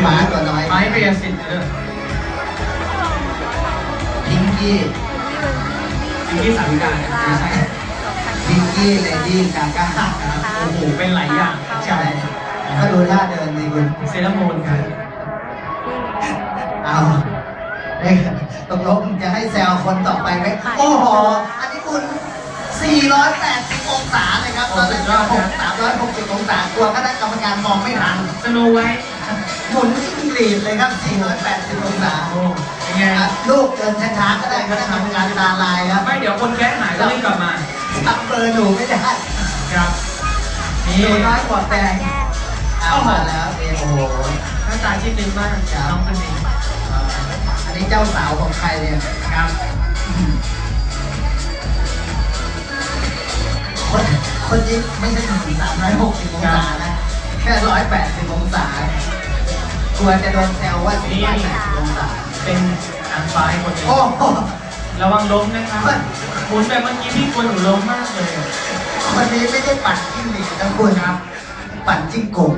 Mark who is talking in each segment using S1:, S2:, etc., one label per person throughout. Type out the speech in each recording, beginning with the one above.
S1: หมาตัวน้อย
S2: ไม้เรียสิทธิ์
S1: พิงกี้
S2: สาวิกาไม่ใช่
S1: พิงกี้เลดี้กาก้า
S2: โอ้โหเป็นหลายอย่าง
S1: ใช่ก็ดูท่าเดินดีคุณ
S2: เซรามูนครับ
S1: เอาตกลงจะให้แซวคนต่อไปไหมโอ้โหอันนี้คุณ480องศาเลยครับตอนนี้360องศากลัวคณะกรรมการมองไม่ทัน
S2: สโนไว้
S1: หมุนจิ้งหรีดเลยครับ480องศา
S2: โอ้ยังไง
S1: ลูกเดินช้าๆก็ได้คณะกรรมการตาลายครับ
S2: ไม่เดี๋ยวคนแก้หายก็รีบกลับมา
S1: ทำเบอร์หนูไม่ได้
S2: ครับ
S1: ห
S2: นี่
S1: นูน้อยกว่าแฟนเอามาแล้วโอ้โห
S2: หน้าตาชิดนึงมากน้องคนนี้
S1: อันนี้เจ้าสาวของใครเนี่ย
S2: ครับ
S1: คนนี้ไม่ใช่ถึง360องศานะแค่180องศากลัวจะโดนแซวว่า480องศา
S2: เป็นนางฟ้าคนหนึ่ง
S1: โอ้โห
S2: ระวังล้มนะครับหมุนแบบเมื่อกี้พี่กลัวหนูล้มมากเลย
S1: คนนี้ไม่ได้ปั่นจิ้งหรีดนะคุณครับ ปั่นจิ้งก่ง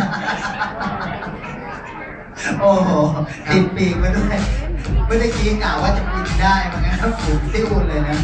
S1: โอ้โหติดปีกมาด้วยเมื่อกี้กล่าวว่าจะบินได้มันงั้นฝูงติ้วเลยนะ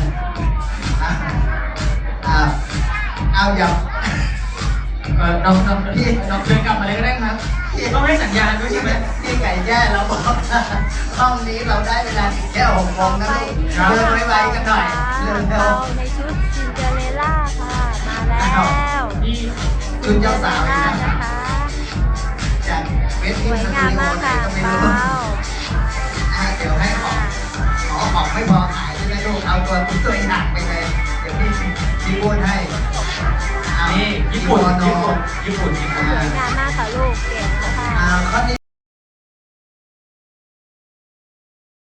S1: เอาอย่า
S2: น้องพี่น้องเดินกลับมาเลยก็ได้ครับต้องให้สัญญาณด้วยใช่ไหม
S1: พี่ไก่แย่เราบอกห้องนี้เราได้เวลาแค่6 โมงนะลูกเดินไวๆกันหน่อยเร็ว
S3: ในชุดซินเดอเรลล่าค่ะมาแล้ว
S2: พี่
S1: ๆคุณเจ้าสาวนี่
S3: นะ
S1: นะคะ จากเวที
S3: สวย
S1: สตู
S3: งาม
S1: ดิโอ
S3: มาก
S1: ไหน
S3: ค่ะ
S1: ก็ไม่
S3: ว้า
S1: รู้
S3: ว
S1: เดี๋ยวให้ของไม่พอขายใช่ไหมลูกเอาตัวอย่างไปเลยเดี๋ยวพี่พูดให้
S2: นี่ญี่ปุ่น
S1: ญี่ปุ่น
S3: สวยงามมากค่ะลูกเก๋